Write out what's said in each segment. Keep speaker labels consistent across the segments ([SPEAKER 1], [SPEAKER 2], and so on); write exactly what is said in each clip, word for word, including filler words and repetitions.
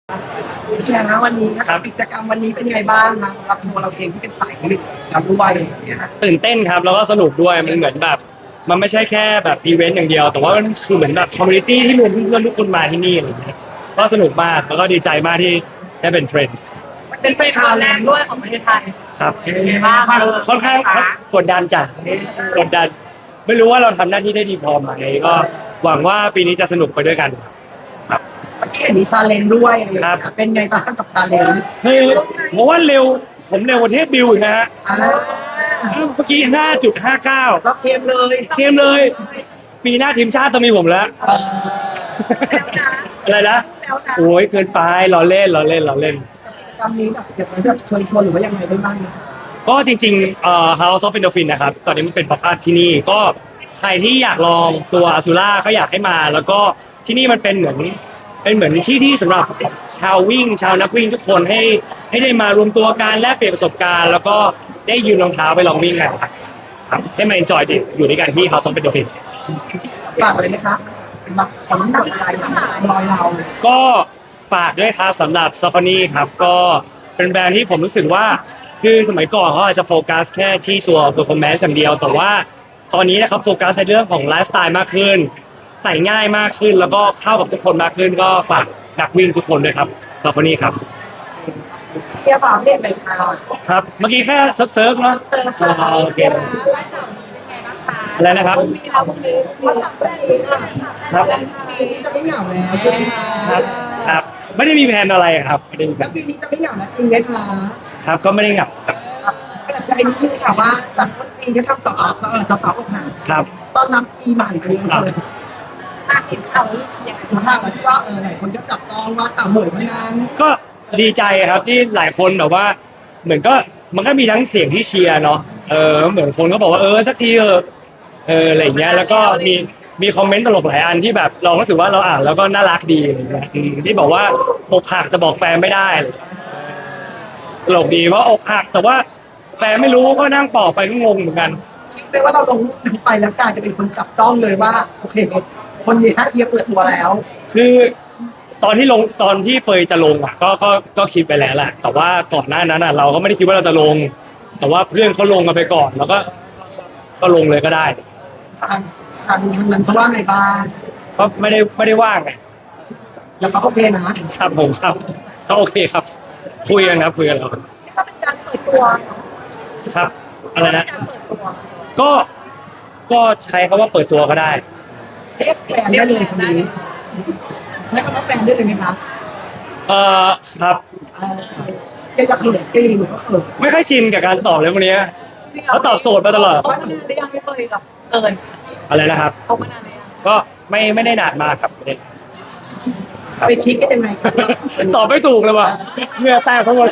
[SPEAKER 1] เนี่ยนะวันนี้นะครับกิจกรรมวันนี้เป็นไงบ้างนะสำหรับตัวเราเองที่เป็นสายผลิตเราด้วยอย่างเงี้ย
[SPEAKER 2] ตื่นเต้นครับแล้วก็สนุกด้วยมันเหมือนแบบมันไม่ใช่แค่แบบอีเวนต์อย่างเดียวแต่ว่ามันคือเหมือนแบบคอมมูนิตี้ที่รวมเพื่อนๆทุกคนมาที่นี่อะไรอย่างเงี้ยก็สนุกมากแล้วก็ดีใจมากที่ได้เป็นเฟรนด์
[SPEAKER 3] เป็นเป็นครั้งแรกด้วยของประเทศไทย
[SPEAKER 2] ครับ
[SPEAKER 3] เป็นไงบ้าง
[SPEAKER 2] ค่อนข้างกดดันจ้ะกดดันไม่รู้ว่าเราทำหน้าที่ได้ดีพอไหมก็หวังว่าปีนี้จะสนุกไปด้วยกันครับ
[SPEAKER 1] เมื่อกี้เห็นมีชาเลนจ์ด้วยอะไรอย่างเงี้ยเป็นไงบ้างกับชาเลนจ์
[SPEAKER 2] คือผมว่าเร็วผมเร็วกว่าเทพบิวอีกนะฮะ
[SPEAKER 1] อ่า
[SPEAKER 2] เมื่อกี้ ห้าจุดห้าเก้า
[SPEAKER 1] เราเค็มเลย
[SPEAKER 2] เข้มเลย ปีหน้าทีมชาติต้องมีผมแล้ว
[SPEAKER 1] เออ
[SPEAKER 3] แล้วนะ
[SPEAKER 2] อะไรนะ
[SPEAKER 3] แล้วนะ
[SPEAKER 2] โอ้ยเกินไปล้อเล่นล้อเล่นล้อเล่น
[SPEAKER 1] กิจกรรมนี้แบบอยากจะแบบชวนชวนหรือว่ายังไงได้บ้างนะคะ
[SPEAKER 2] ก็จริงๆเอ่อ House of Endorphin นะครับ ตอนนี้มันเป็นป๊อปอัพที่นี่ ก็ใครที่อยากลองตัวอ z ู r ่าก็อยากให้มา แล้วก็ที่นี่มันเป็นเหมือนเป็นเหมือนที่ที่สำหรับชาววิ่ง ชาวนักวิ่งทุกคนให้ให้ได้มารวมตัวกันแลกเปลี่ยนประสบการณ์ แล้วก็ได้ยืนรองเท้าไปลองวิ่งกันครับครับให้มา enjoy ดิอยู่ด้วยกันที่ House of Endorphin
[SPEAKER 1] ฝากอะไรไหมคะรับผลกำลังใจรอยเรา
[SPEAKER 2] ก็ฝากด้วยครับสำหรับ s a f a n i ครับก็เป็นแบรนด์ที่ผมรู้สึกว่าคือสมัยก่อนเขาอาจจะโฟกัสแค่ที่ตัว performance อย่างเดียว แต่ว่าตอนนี้นะครับโฟกัสในเรื่องของไลฟ์สไตล์มากขึ้น ใส่ง่ายมากขึ้น แล้วก็เข้ากับทุกคนมากขึ้น ก็ฝากนักวิ่งทุกคนด้วยครับ s a f a n i ครับ
[SPEAKER 1] เทียบฝากเรียกในชาว
[SPEAKER 2] ครับเมื่อกี้แค่เซิร์ฟเซิร์ฟเนาะ
[SPEAKER 1] เซิร์ฟค่ะ
[SPEAKER 2] อ๋อโอเค
[SPEAKER 3] ไลฟ์สาวนี้เป็นไงบ้างคะ
[SPEAKER 2] อะไรนะครับ
[SPEAKER 3] พรุ่งนี้แล้วพรุ่งนี้
[SPEAKER 1] มาทำได้ดีค่ะ
[SPEAKER 2] ครับ
[SPEAKER 1] ปีนี้จะไม่เหงาแล้วใช่ไหมคะ
[SPEAKER 2] ครับครับไม่ได้มีแผนอะไรครับไม่ได้มีแผ
[SPEAKER 1] แล้ว
[SPEAKER 2] น
[SPEAKER 1] ปีนี้จะไม่เหงาแล้วจริงไหมคะ
[SPEAKER 2] ครับก็ไม่ได้เหงาครับ
[SPEAKER 1] เปิดใจนิดนึงค่ะว่าจากต้นปีที่ทำสอบเออสอบอกหัก
[SPEAKER 2] ครับ
[SPEAKER 1] ต้อนรับปีใหม่ไปเลย
[SPEAKER 3] อ่ะเห็นข่าวนี้ยังไง
[SPEAKER 1] ถึงข่าวที่ว่าเออหลายคนก็จับต้องว่าต่ำเหมยพนัน
[SPEAKER 2] ก็ดีใจครับที่หลายคนแบบว่า เหมือนก็มันก็มีทั้งเสียงที่เชียร์เนาะเออเหมือนคนก็บอกว่าเออสักทีเออเอออะไรอย่างเงี้ยแล้วก็มีมีคอมเมนต์ตลกหลายอันที่แบบเรารู้สึกว่าเราอ่านแล้วก็น่ารักดีอะไรเงี้ยอืมที่บอกว่าอกหักแต่บอกแฟนไม่ได้อะไรเงี้ยตลกดีเพราะอกหักแต่ว่าแฟนไม่รู้ก็นั่งปอกไปก็งงเหมือนกัน
[SPEAKER 1] คิดเลยว่าเราลงรูปนั้นไปแล้วกลายจะเป็นคนจับต้องเลยว่าโอเค คนนี้ฮะเทียบเปิดตัวแล้ว
[SPEAKER 2] คือตอนที่ลงตอนที่เฟยจะลงอ่ะก็ก็ก็คิดไปแล้วแหละแต่ว่าก่อนหน้านั้นอ่ะเราก็ไม่ได้คิดว่าเราจะลง แต่ว่าเพื่อนเขาลงกันไปก่อน แล้วก็ก็ลงเลยก็ได้
[SPEAKER 1] ทางทางทางนั้นเขาว่าไงบ้าง
[SPEAKER 2] ก็ไม่ได้ไม่ได้ว่างไง
[SPEAKER 1] แล้วเขาโอเคนะครับ
[SPEAKER 2] ผมครับก็โอเคครับ คุยกันครับคุยกันแล้ว
[SPEAKER 3] ก็เป็นการเปิดตัวเนาะ
[SPEAKER 2] ครับอะไรนะ
[SPEAKER 3] การเปิดตัว
[SPEAKER 2] ก็ก็ใช้คำว่าเปิดตัวก็ได้
[SPEAKER 1] เรียกแฟนได้เลยคนนี้ใช้คำว่าแฟนได้เลยไหมคะ
[SPEAKER 2] เอ่อครับ
[SPEAKER 1] เออเจ๊จะเขินซีหรือว่าเขิน
[SPEAKER 2] ไม่ค่อยชินกับการตอบเลยวันนี้
[SPEAKER 3] จริงๆ
[SPEAKER 2] เขาตอบโสดมาตลอด
[SPEAKER 3] เขามานานหรือยังไม่เคยกับเอิญ
[SPEAKER 2] อะไรนะครับ
[SPEAKER 3] เขามานานหรือยัง
[SPEAKER 2] ก็ไม่ไม่ได้นานมากครับไม่ได้ครับ
[SPEAKER 1] ไปคิดกันยังไงครับ
[SPEAKER 2] ตอบไม่ถูกเลยว่ะเหงื่อแตกทั้งหมด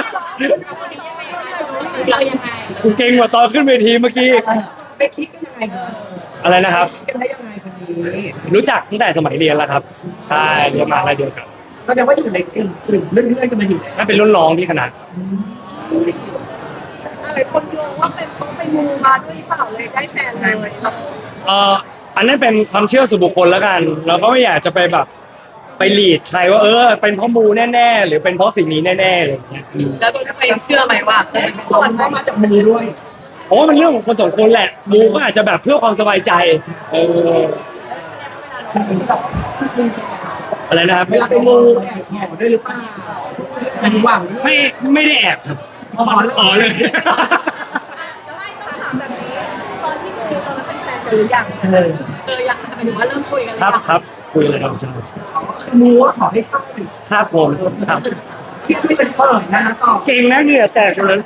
[SPEAKER 3] เรายังไง
[SPEAKER 2] กูเก่งกว่าตอนขึ้นเวทีเมื่อกี้
[SPEAKER 1] ไปคิดกันยังไงครับ
[SPEAKER 2] อะไรนะครับ
[SPEAKER 1] คิดกันได้ยังไงคนนี้
[SPEAKER 2] รู้จักตั้งแต่สมัยเรียนแล้วครับ ใช่เรียนมหาอะไรเดียวกัน
[SPEAKER 1] ก็จะว่าอยู่ในกลุ่มกลุ่มเพื่อนๆกันมาอยู่แล้ว
[SPEAKER 2] นั่นเป็นรุ่นน้องที่ขนาด
[SPEAKER 3] อะไรคนงงว่าเป็นเพราะไปมูมาด้วยหรือเปล่าเลยได้แฟนเลยครับ
[SPEAKER 2] เอ่ออันนั้นเป็นความเชื่อส่วนบุคคลแล้วกัน เราก็ไม่อยากจะไปแบบไปหลีดใครว่าเออเป็นเพราะมูแน่ๆหรือเป็นเพราะสิ่งนี้แน่ๆอะไรอย่างเงี้ยอืม
[SPEAKER 3] แล้วตัวเองเชื่อไหมว่าเออเป็น
[SPEAKER 1] ส่วนก็มาจากมือด้วย
[SPEAKER 2] ผมว่ามันเรื่องของคนสองคนแหละมูก็อาจจะแบบเพื่อความสบายใจเอออะไรนะครับ
[SPEAKER 1] เวลาไปมูแอบขอด้วยหรือเปล่ามันหวัง
[SPEAKER 2] ไม่ไม่ได้แอบครับ
[SPEAKER 1] ขอ
[SPEAKER 2] ขอเลย
[SPEAKER 3] ไม่ต้องถามแบบนี้ตอนที่มูตอนนั้นเป็นแฟนกันหรือยัง
[SPEAKER 1] เออ
[SPEAKER 3] เจอยังหมายถึงว่าเริ่มคุยกันห
[SPEAKER 2] ค
[SPEAKER 3] อ
[SPEAKER 2] รับ
[SPEAKER 3] ยัง
[SPEAKER 2] ครับคุยเลยครับใช่
[SPEAKER 1] เขาก็คือมูว่าขอให้ใช่
[SPEAKER 2] ครับผมครับ
[SPEAKER 1] เพี่ไม่เป็นเปิดนะต่อ
[SPEAKER 2] เก่งนะเนี่ยแตกเลย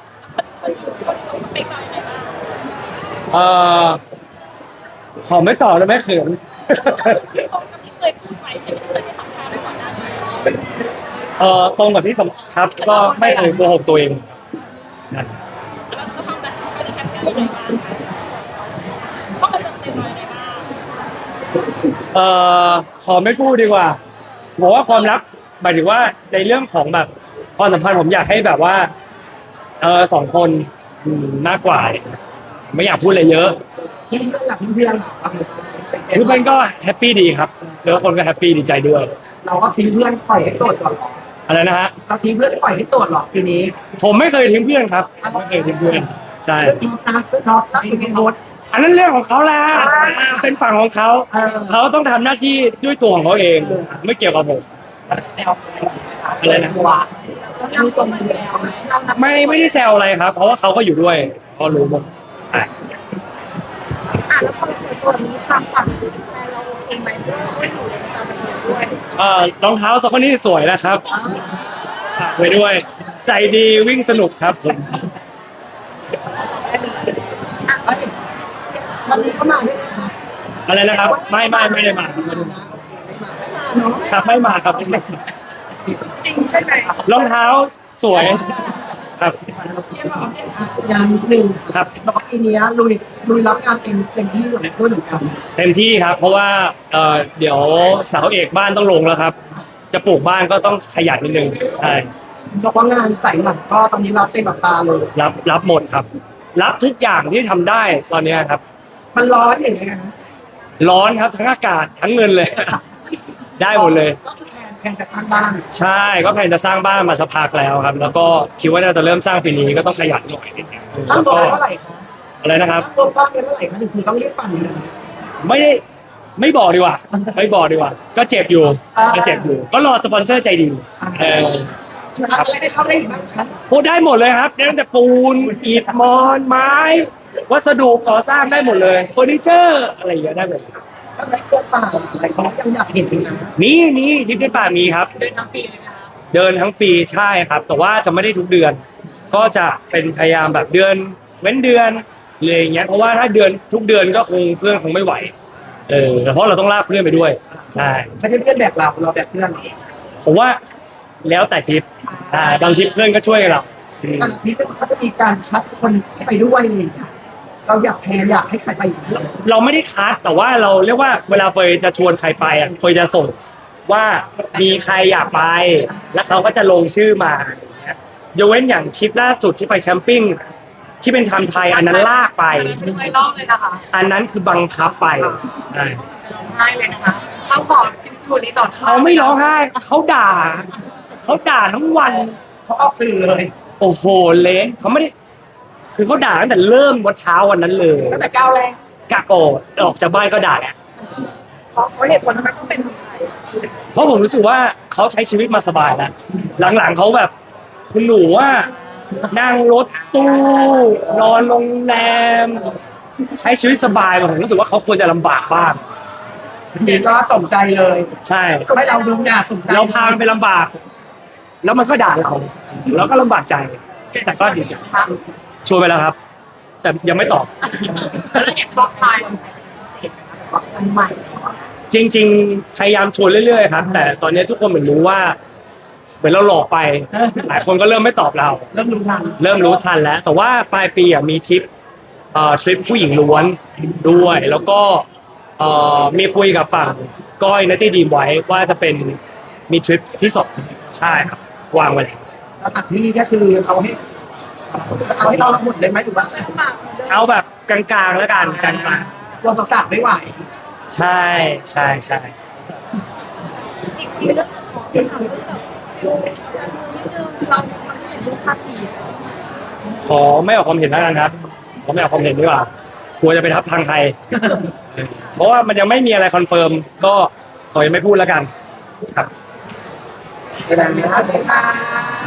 [SPEAKER 2] เอ่อขอไม่ต่อแล้วไหมเขิน
[SPEAKER 4] เคยพูดไว้ใช่ไหมที่เคยให้สัมภาษณ์ไว้ก่อนหน้านี้
[SPEAKER 2] เอ่อตรงกับที่สำครับก็ไม่เคยโกหกตัวเองนะ
[SPEAKER 4] แล้วสภาพแบบเขาได้แฮปปี้ยังไงบ้างเขาเติมเต็มอะไรบ้าง
[SPEAKER 2] เอ่อขอไม่พูดดีกว่าบอกว่าความรักหมายถึงว่าในเรื่องของแบบความสัมพันธ์ผมอยากให้แบบว่าเออสองคนอืมมากกว่า ไม่อยากพูดอะไรเยอะ
[SPEAKER 1] เพื่อนๆหลักเพื่อนๆหลัก
[SPEAKER 2] คือมันก็แฮปปี้ดีครับ
[SPEAKER 1] เ
[SPEAKER 2] แล้วคนก็แฮปปี้ดีใจด้วย
[SPEAKER 1] เราก็ทิ้งเพื่อนปล่อยให้โสดก่อนหรอ
[SPEAKER 2] อะไรนะฮะ
[SPEAKER 1] เราทิ้งเพื่อนปล่อยให้โสดหรอทีนี้
[SPEAKER 2] ผมไม่เคยทิ้งเพื่อนครับไม่เคยทิ้งเพื่อนใช่
[SPEAKER 1] เพื่อนท็อปนะเพื่อนท็อปรักคุณเป็นโบส
[SPEAKER 2] อันนั้นเรื่องของเขาแหละเป็นฝั่งของเขา
[SPEAKER 1] เออ
[SPEAKER 2] เขาต้องทำหน้าที่ด้วยตัวของเขาเอง ไม่เกี่ยวกับผม
[SPEAKER 1] แซวอะไรนะว่าเราส่งเสียงเรานับ
[SPEAKER 2] ไม่ไม่ได้แซวอะไรครับ เพราะว่าเขาก็อยู่ด้วยเขารู้หมดใช่
[SPEAKER 3] อ่ะแล้วพอเปิดตัวนี้ความฝันแฟนเราโอเคไหมเพราะว่าเราอยู่ในวงการบันเทิงด้วย
[SPEAKER 2] เอ่อรองเท้าสองคนนี้สวยนะครับฝากไว้ด้วย ใส่ดีวิ่งสนุกครับผม
[SPEAKER 1] เอ้ยวันนี้เขามาได้ไหมคะ
[SPEAKER 2] อะไรนะครับ ไม่ไม่ไม่ได้มาครับไม่ได้มา
[SPEAKER 1] เนาะ
[SPEAKER 2] ครับไม่มาครับไม่มา
[SPEAKER 3] จริงใช่ไหม
[SPEAKER 2] รองเท้าสวยครับ
[SPEAKER 1] เที่ยงเราอัปเดตงานนิดนึง
[SPEAKER 2] ครับ
[SPEAKER 1] แล้วก็ปีนี้ลุยลุยรับงานเต็มเต็มที่ด้วยด้วยเหมือนกัน
[SPEAKER 2] เต็มที่ครับ เพราะว่าเอ่อเดี๋ยวเสาเอกบ้านต้องลงแล้วครับ จะปลูกบ้านก็ต้องขยันนิดนึงใช่
[SPEAKER 1] บอกว่างานใส่หลังก็ตอนนี้เราเต็มแบบตาเลย
[SPEAKER 2] รับรับหมดครับ รับทุกอย่างที่ทำได้ตอนเนี้ยครับ
[SPEAKER 1] มันร้อนอย่างเงี้ยนะ
[SPEAKER 2] ร้อนครับทั้งอากาศทั้งเงินเลย ได้หมดเลย
[SPEAKER 1] ก็คือแพนแพนจะสร้างบ้าน
[SPEAKER 2] ใช่ก็แผนจะสร้างบ้านมาสักพักแล้วครับ แล้วก็คิดว่าน่าจะเริ่มสร้างปีนี้ก็ต้องขยันหน่อยนิดนึง
[SPEAKER 1] ตั้ง
[SPEAKER 2] แล้ว
[SPEAKER 1] ตัว
[SPEAKER 2] ก็
[SPEAKER 1] เท่าไหร่คะ
[SPEAKER 2] อะไรนะครับ
[SPEAKER 1] ตั้งตัวบ้านเท่าไหร่คะถึงคุณต้องรีบปั่นขนาดนี้
[SPEAKER 2] ไม่ได้ไม่บอกดีกว่า ไม่บอกดีกว่า ก็เจ็บอยู่ก็เจ็บอยู่ ก็รอสปอนเซอร์ใจดีเออ
[SPEAKER 1] อะไรได้เข้าได้อีกบ้างคะ
[SPEAKER 2] พูดได้หมดเลยครับตั้งแต่ปูนอิฐมอนไม้ วัสดุก่อสร้างได้หมดเลยเฟอร์นิเจอร์อะไรอย่างเงี้ยได้หมด
[SPEAKER 1] แล้วใช้ตัวเปล่าอะไรเขายังอยากเห็นอีกนะ
[SPEAKER 2] มีมีทริปในป่ามีครับ
[SPEAKER 3] เดินทั้งปีเลยไหมคะ
[SPEAKER 2] เดินทั้งปีใช่ครับ แต่ว่าจะไม่ได้ทุกเดือน ก็จะเป็นพยายามแบบเดือนเว้นเดือนเลยอย่างเงี้ยเพราะว่าถ้าเดือนทุกเดือนก็คงเพื่อนคงไม่ไหวเออแต่เพราะเราต้องลากเพื่อนไปด้วย ใช่
[SPEAKER 1] ไม่ใช่เพื่อนแบบเราเราแบบเพื่อน
[SPEAKER 2] ผมว่าแล้วแต่ทริปอ่าบางทริปเพื่อนก็ช่วยเราอืม
[SPEAKER 1] ตอนนี้เขาจะมีการคัดคนที่ไปด้วยอะไรอย่างเงี้ยเราอยากแพนอยากให้ใครไปอีก
[SPEAKER 2] เราไม่ได้คัดแต่ว่าเราเรียกว่าเวลาเฟยจะชวนใครไปอ่ะเฟยจะส่งว่ามีใครอยากไป แล้วเขาก็จะลงชื่อมาอย่างเงี้ยยกเว้นอย่างทริปล่าสุดที่ไปแคมปิ้งที่เป็นไทม์ไทยอันนั้นลากไป
[SPEAKER 3] ไม่ร้องเลยนะคะ
[SPEAKER 2] อันนั้นคือบังคับไปใช่
[SPEAKER 3] ร้องไห้เลยนะคะเขาขออยู่รีสอร์ท
[SPEAKER 2] เขาไม่ร้องไห้เขาด่าเขาด่าทั้งวัน
[SPEAKER 1] เขาออกสื่อเลย
[SPEAKER 2] โอ้โหเละเขาไม่ได้ คือเขาด่าตั้งแต่เริ่มวันเช้าวันนั้นเลย
[SPEAKER 1] ตั้งแต่ก้าวแรก
[SPEAKER 2] กะโปดออกจากบ้านก็ด่าแล้ว
[SPEAKER 1] เพราะเขาเหตุผลทำไมต้องเป็นคนไทย
[SPEAKER 2] เพราะผมรู้สึกว่าเขาใช้ชีวิตมาสบายแล้วหลังๆเขาแบบ คุณหนูว่านั่งรถตู้นอนโรงแรม ใช้ชีวิตสบายผมรู้สึกว่าเขาควรจะลำบากบ้าง
[SPEAKER 1] นี่ก็สมใจเลย
[SPEAKER 2] ใช่
[SPEAKER 1] ไม่เราดูงานสมใจ
[SPEAKER 2] เราพามันไปลำบาก แล้วมันก็ด่าเราเราก็ลำบากใจ แต่ก็ดีใจ
[SPEAKER 1] ครับ
[SPEAKER 2] ชวนไปแล้วครับ แต่ยังไม่ตอบ
[SPEAKER 1] แล้วอยากบอกตายคนพิเศษนะครับคนใหม่
[SPEAKER 2] จริง ๆ พยายามชวนเรื่อยๆครับ แต่ตอนนี้ทุกคนเหมือนรู้ว่า เหมือนเราหลอกไป หลายคนก็เริ่มไม่ตอบเรา
[SPEAKER 1] เริ่มรู้ทัน
[SPEAKER 2] เริ่มรู้ทันแล้ว แต่ว่าปลายปีอ่ะมีทริปเอ่อทริปผู้หญิงล้วนด้วย แล้วก็เอ่อมีคุยกับฝั่งก้อยนัตตี้ดีมไว้ว่าจะเป็นมีทริปที่สองใช่ครับ วางไว้แล้ว
[SPEAKER 1] สถานที่ก็คือเอาให้เอาให้เราละหมดเลยไหมหรือว่า
[SPEAKER 3] ลำบากเหมือนเดิม
[SPEAKER 2] เอาแบบกลางๆแล้วกันกลาง
[SPEAKER 1] รวมสาวๆไม่ไหว
[SPEAKER 2] ๆใช่ใช่ใช่
[SPEAKER 3] อีกทีเรื่องของจะถามเรื่องแบบฟิวการเมืองนิดนึงเราจะทำให้เห็นเรื่องภาษี
[SPEAKER 2] ขอไม่ออกความเห็นแล้วกันครับขอไม่ออกความเห็นดีกว่ากลัวจะไปทับทางใคร เพราะว่ามันยังไม่มีอะไรคอนเฟิร์มก็ขอยังไม่พูดแล้วกัน ครับ
[SPEAKER 1] เดี๋ยวนะเดี๋ยวนะ